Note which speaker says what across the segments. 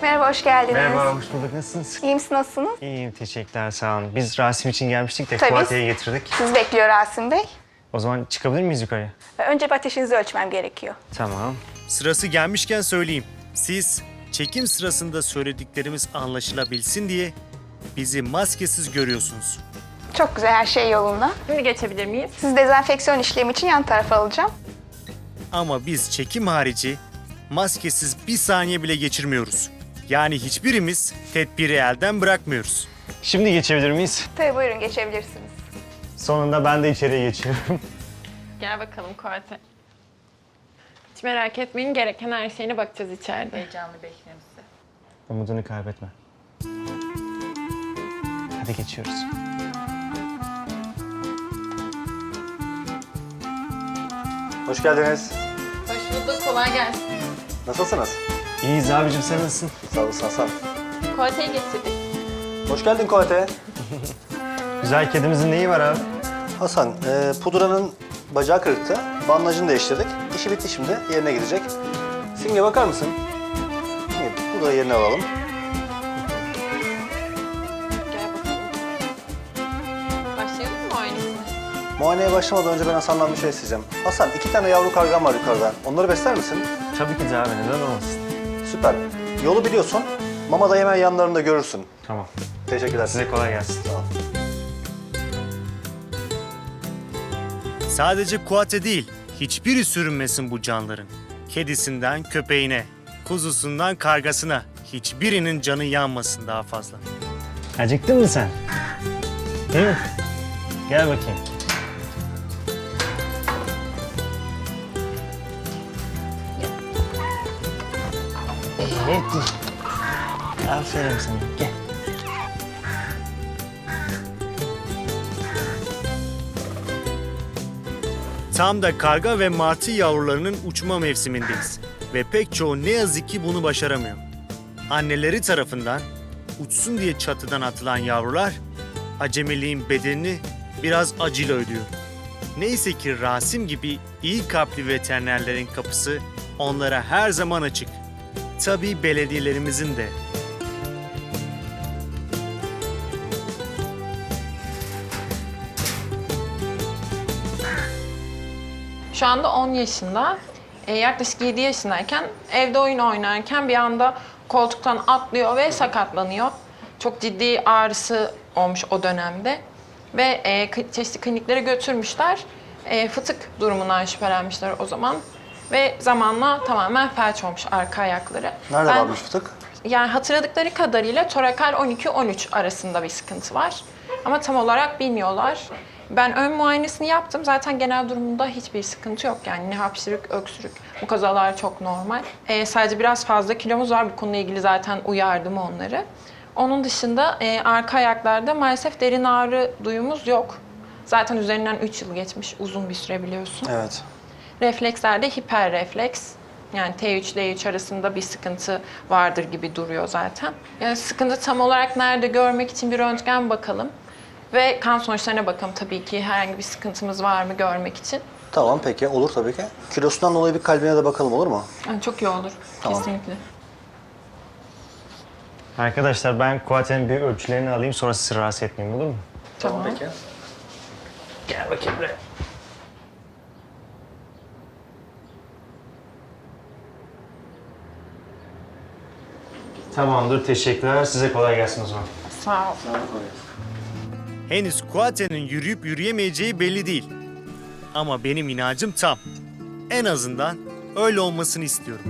Speaker 1: Merhaba, hoş geldiniz.
Speaker 2: Merhaba, hoş bulduk. Nasılsınız?
Speaker 1: İyi misin, nasılsınız?
Speaker 2: İyiyim, teşekkürler, sağ olun. Biz Rasim için gelmiştik de
Speaker 1: Tabii.
Speaker 2: Kuatya'yı getirdik.
Speaker 1: Sizi bekliyor Rasim Bey.
Speaker 2: O zaman çıkabilir miyiz yukarıya?
Speaker 1: Önce bir ateşinizi ölçmem gerekiyor.
Speaker 2: Tamam.
Speaker 3: Sırası gelmişken söyleyeyim. Siz çekim sırasında söylediklerimiz anlaşılabilsin diye bizi maskesiz görüyorsunuz.
Speaker 1: Çok güzel, her şey yolunda.
Speaker 4: Şimdi geçebilir miyiz?
Speaker 1: Sizi dezenfeksiyon işlemi için yan tarafa alacağım.
Speaker 3: Ama biz çekim harici maskesiz bir saniye bile geçirmiyoruz. Yani hiçbirimiz tedbiri elden bırakmıyoruz.
Speaker 2: Şimdi geçebilir miyiz?
Speaker 1: Tabii buyurun, geçebilirsiniz.
Speaker 2: Sonunda ben de içeriye geçiyorum.
Speaker 4: Gel bakalım Kuate. Hiç merak etmeyin, gereken her şeyine bakacağız içeride.
Speaker 5: Heyecanlı bekliyorum sizi.
Speaker 2: Umudunu kaybetme. Hadi geçiyoruz.
Speaker 6: Hoş geldiniz.
Speaker 4: Hoş bulduk, kolay gelsin.
Speaker 6: Nasılsınız?
Speaker 2: İyiyiz abicim, sen nasılsın?
Speaker 6: Sağ olasın Hasan.
Speaker 4: Kuate'yi getirdik.
Speaker 6: Hoş geldin Koate.
Speaker 2: Güzel kedimizin neyi var abi?
Speaker 6: Hasan, pudranın bacağı kırıktı. Bandajını değiştirdik. İşi bitti şimdi. Yerine gidecek. Simge bakar mısın? Simge, pudrayı yerine alalım.
Speaker 4: Gel bakalım. Başlayalım mı muayenesine?
Speaker 6: Muayeneye başlamadan önce ben Hasan'dan bir şey isteyeceğim. Hasan, 2 tane yavru kargan var yukarıdan. Onları besler misin?
Speaker 2: Tabii ki de abi, neden olmasın?
Speaker 6: Süper. Yolu biliyorsun. Mama da hemen yanlarında görürsün.
Speaker 2: Tamam.
Speaker 6: Teşekkürler.
Speaker 2: Size kolay gelsin.
Speaker 6: Tamam.
Speaker 3: Sadece Kuate değil, hiçbiri sürünmesin bu canların. Kedisinden köpeğine, kuzusundan kargasına, hiçbirinin canı yanmasın daha fazla.
Speaker 2: Acıktın mı sen? Hı? Gel bakayım. Evet. Aferin sana. Gel.
Speaker 3: Tam da karga ve martı yavrularının uçma mevsimindeyiz. Ve pek çoğu ne yazık ki bunu başaramıyor. Anneleri tarafından uçsun diye çatıdan atılan yavrular acemiliğin bedelini biraz acıyla ödüyor. Neyse ki Rasim gibi iyi kalpli veterinerlerin kapısı onlara her zaman açık. Tabii belediyelerimizin de.
Speaker 4: Şu anda 10 yaşında. Yaklaşık 7 yaşındayken evde oyun oynarken bir anda koltuktan atlıyor ve sakatlanıyor. Çok ciddi ağrısı olmuş o dönemde. Ve çeşitli kliniklere götürmüşler. Fıtık durumundan şüphelenmişler o zaman. Ve zamanla tamamen felç olmuş arka ayakları.
Speaker 6: Nerede varmış fıtık?
Speaker 4: Yani hatırladıkları kadarıyla torakal 12-13 arasında bir sıkıntı var. Ama tam olarak bilmiyorlar. Ben ön muayenesini yaptım. Zaten genel durumunda hiçbir sıkıntı yok. Yani ne hapşırık, öksürük. Bu kazalar çok normal. Sadece biraz fazla kilomuz var. Bu konuyla ilgili zaten uyardım onları. Onun dışında arka ayaklarda maalesef derin ağrı duyumuz yok. Zaten üzerinden 3 yıl geçmiş. Uzun bir süre biliyorsun.
Speaker 6: Evet.
Speaker 4: Reflekslerde hiperrefleks. Yani T3 D3 arasında bir sıkıntı vardır gibi duruyor zaten. Yani sıkıntı tam olarak nerede görmek için bir röntgen bakalım. Ve kan sonuçlarına bakalım tabii ki herhangi bir sıkıntımız var mı görmek için.
Speaker 6: Tamam peki, olur tabii ki. Kilosundan dolayı bir kalbine de bakalım, olur mu?
Speaker 4: Yani çok iyi olur.
Speaker 6: Tamam.
Speaker 4: Kesinlikle.
Speaker 2: Arkadaşlar ben Kuatya'nın bir ölçülerini alayım, sonra sizi rahatsız etmeyeyim, olur mu?
Speaker 4: Tamam.
Speaker 6: Peki.
Speaker 2: Gel bakayım buraya. Tamamdır, teşekkürler. Size kolay gelsin o zaman.
Speaker 4: Sağ ol.
Speaker 3: Henüz Kuate'nin yürüyüp yürüyemeyeceği belli değil. Ama benim inancım tam. En azından öyle olmasını istiyorum.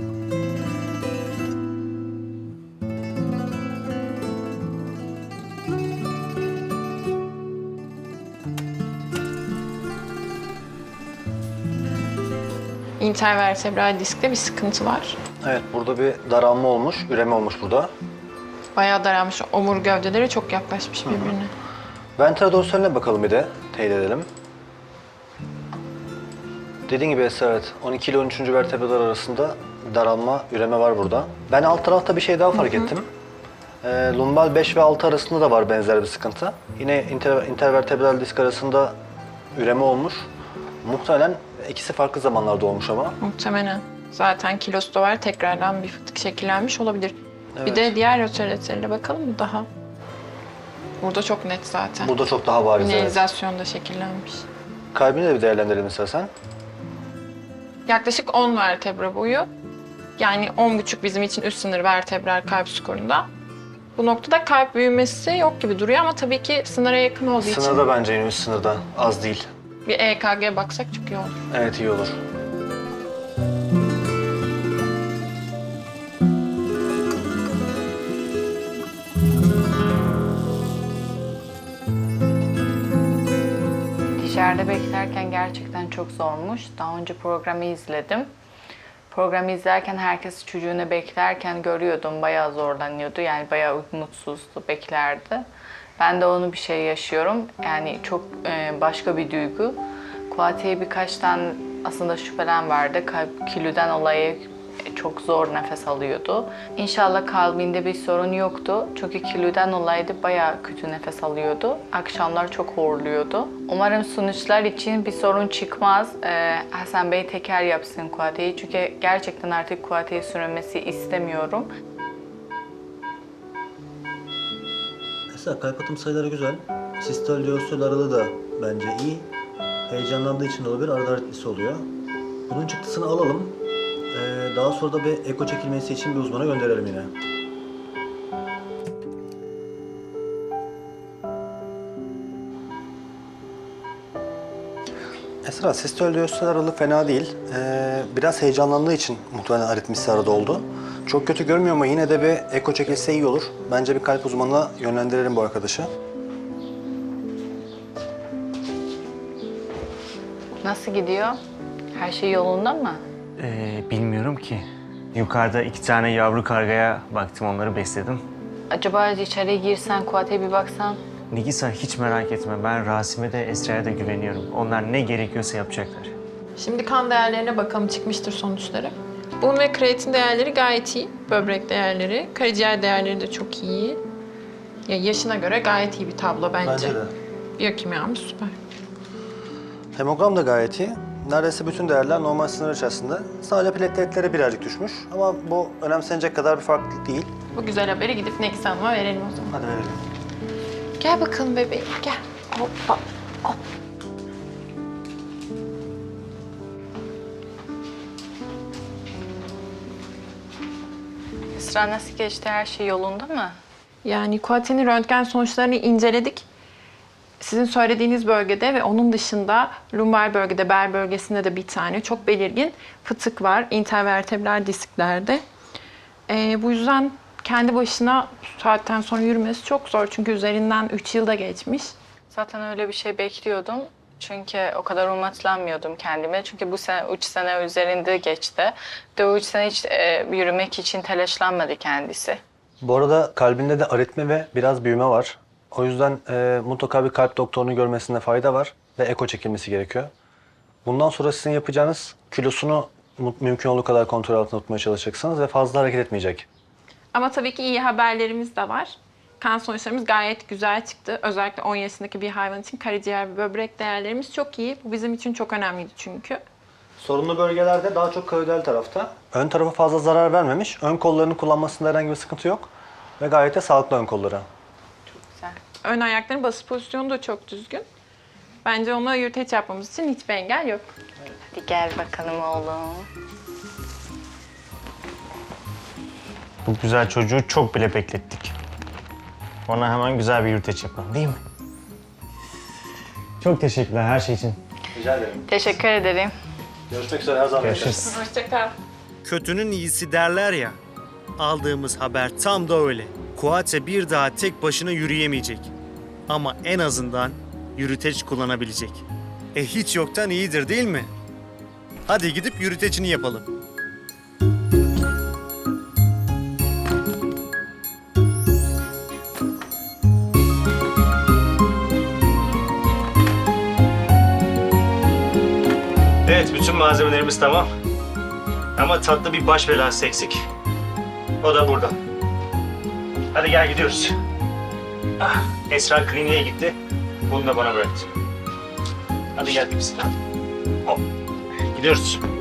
Speaker 4: İntervertebral diskte bir sıkıntı var.
Speaker 6: Evet, burada bir daralma olmuş, üreme olmuş burada.
Speaker 4: Bayağı daralmış. Omur gövdeleri çok yaklaşmış birbirine.
Speaker 6: Ventral dorsaline bakalım bir de, teyit edelim. Dediğin gibi Esra, evet. 12 ile 13. vertebralar arasında daralma, üreme var burada. Ben alt tarafta bir şey daha fark ettim. Lumbal 5 ve 6 arasında da var benzer bir sıkıntı. Yine intervertebral disk arasında üreme olmuş. Muhtemelen ikisi farklı zamanlarda olmuş ama.
Speaker 4: Muhtemelen. Zaten kilosu da var. Tekrardan bir fıtık şekillenmiş olabilir. Bir de diğer otoritelerine bakalım mı daha? Burada çok net zaten.
Speaker 6: Burada çok daha bariz. Evet.
Speaker 4: Mineralizasyon da şekillenmiş.
Speaker 6: Kalbini de bir değerlendirelim istersen.
Speaker 4: Yaklaşık 10 vertebra boyu. Yani 10,5 bizim için üst sınır vertebral kalp skorunda. Bu noktada kalp büyümesi yok gibi duruyor ama tabii ki sınıra yakın olduğu için
Speaker 6: Sınırda bence yine üst sınırda. Az değil.
Speaker 4: bir EKG baksak çok iyi olur.
Speaker 6: Evet, iyi olur.
Speaker 5: Dışarıda beklerken gerçekten çok zormuş. Daha önce programı izledim. Programı izlerken herkes çocuğunu beklerken görüyordum. Bayağı zorlanıyordu. Yani bayağı mutsuzdu, beklerdi. Ben de onu bir şey yaşıyorum. Yani çok başka bir duygu. Kuati'ye birkaç tane aslında şüphelen vardı. Kalp kilüden dolayı çok zor nefes alıyordu. İnşallah kalbinde bir sorun yoktu. Çünkü kilüden dolayı da bayağı kötü nefes alıyordu. Akşamlar çok horluyordu. Umarım sonuçlar için bir sorun çıkmaz. Hasan Bey teker yapsın Kuati'yi. Çünkü gerçekten artık Kuati'ye sürülmesi istemiyorum.
Speaker 6: Mesela kalp atım sayıları güzel. Sistol diastol aralığı da bence iyi. Heyecanlandığı için de olabilir, arada aritmisi oluyor. Bunun çıktısını alalım. Daha sonra da bir eko çekilmesi için bir uzmana gönderelim yine. Esra, sistol diastol aralığı fena değil. Biraz heyecanlandığı için muhtemelen aritmisi arada oldu. Çok kötü görmüyor ama yine de bir eko çekilse iyi olur. Bence bir kalp uzmanına yönlendirelim bu arkadaşı.
Speaker 5: Nasıl gidiyor? Her şey yolunda mı?
Speaker 2: Bilmiyorum ki. Yukarıda 2 tane yavru kargaya baktım, onları besledim.
Speaker 5: Acaba içeriye girsen, Kuati'ye bir baksan?
Speaker 2: Nigisa, hiç merak etme. Ben Rasim'e de Esra'ya da güveniyorum. Onlar ne gerekiyorsa yapacaklar.
Speaker 4: Şimdi kan değerlerine bakalım, çıkmıştır sonuçları. Bun ve kreatin değerleri gayet iyi. Böbrek değerleri, karaciğer değerleri de çok iyi. Ya yaşına göre gayet iyi bir tablo bence.
Speaker 6: Bence de.
Speaker 4: Biyokimyamız süper.
Speaker 6: Hemogram da gayet iyi. Neredeyse bütün değerler normal sınır içerisinde. Sadece plateletleri birazcık düşmüş. Ama bu önemsenecek kadar bir farklılık değil.
Speaker 4: Bu güzel haberi gidip Nekis Hanım'a verelim o zaman.
Speaker 6: Hadi verelim.
Speaker 4: Gel bakalım bebeğim, gel. Hoppa, hop.
Speaker 5: Esra nasıl geçti? Her şey yolunda mı?
Speaker 4: Yani Kuati'nin röntgen sonuçlarını inceledik. Sizin söylediğiniz bölgede ve onun dışında lumbar bölgede, bel bölgesinde de bir tane çok belirgin fıtık var intervertebral disklerde. Bu yüzden kendi başına bu saatten sonra yürümesi çok zor çünkü üzerinden 3 yılda geçmiş.
Speaker 5: Zaten öyle bir şey bekliyordum. Çünkü o kadar umutlanmıyordum kendime. Çünkü bu sene 3 sene üzerinde geçti. De o 3 sene hiç yürümek için telaşlanmadı kendisi.
Speaker 6: Bu arada kalbinde de aritmi ve biraz büyüme var. O yüzden mutlaka bir kalp doktorunu görmesinde fayda var ve eko çekilmesi gerekiyor. Bundan sonra sizin yapacağınız kilosunu mümkün olduğu kadar kontrol altında tutmaya çalışacaksınız ve fazla hareket etmeyecek.
Speaker 4: Ama tabii ki iyi haberlerimiz de var. Kan sonuçlarımız gayet güzel çıktı. Özellikle 10 yaşındaki bir hayvan için karaciğer ve böbrek değerlerimiz çok iyi. Bu bizim için çok önemliydi çünkü.
Speaker 6: Sorunlu bölgelerde daha çok kavidal tarafta. Ön tarafa fazla zarar vermemiş. Ön kollarını kullanmasında herhangi bir sıkıntı yok. Ve gayet de sağlıklı ön kolları.
Speaker 5: Güzel.
Speaker 4: Ön ayakların basış pozisyonu da çok düzgün. Bence ona yürüteç yapmamız için hiçbir engel yok.
Speaker 5: Hadi gel bakalım oğlum.
Speaker 2: Bu güzel çocuğu çok bile beklettik. Ona hemen güzel bir yürüteç yapalım, değil mi? Çok teşekkürler her şey için.
Speaker 6: Rica ederim.
Speaker 5: Teşekkür ederim.
Speaker 6: Görüşmek üzere her zaman.
Speaker 2: Görüşürüz.
Speaker 4: Hoşçakal.
Speaker 3: Kötünün iyisi derler ya. Aldığımız haber tam da öyle. Kuate bir daha tek başına yürüyemeyecek. Ama en azından yürüteç kullanabilecek. Hiç yoktan iyidir değil mi? Hadi gidip yürütecini yapalım.
Speaker 2: Evet, bütün malzemelerimiz tamam. Ama tatlı bir baş belası eksik. O da burada. Hadi gel gidiyoruz. Esra kliniğe gitti. Bunu da bana bıraktı. Hadi gel biz. Hop. Gidiyoruz.